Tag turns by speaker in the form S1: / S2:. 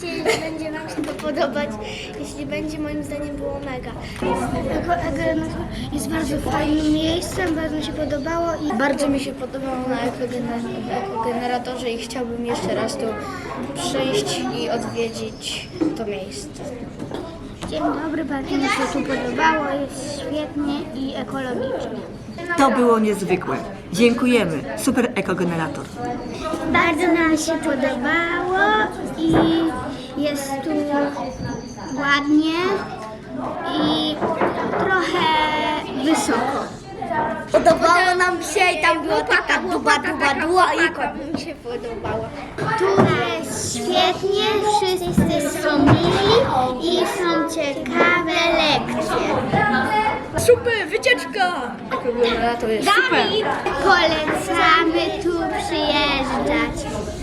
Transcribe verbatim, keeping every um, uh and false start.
S1: nadzieję, że będzie Wam się to podobać. Jeśli będzie, moim zdaniem było mega. Ekogenerator jest bardzo fajnym miejscem, bardzo mi się podobało i bardzo mi się podobało na ekogeneratorze i chciałbym jeszcze raz tu przyjść i odwiedzić to miejsce. Dzień dobry, bardzo mi się tu podobało, jest świetnie i ekologicznie.
S2: To było niezwykłe. Dziękujemy. Super ekogenerator.
S1: Bardzo nam się podobało i jest tu ładnie i trochę wysoko. Podobało nam się i tam była taka duba, duba, duba i kot mi się podobało. Tu jest świetnie, wszyscy są mili i są ciekawe lekcje.
S2: Super, wycieczka! Ekogenerator jest super.
S1: Polecamy tu przyjeżdżać.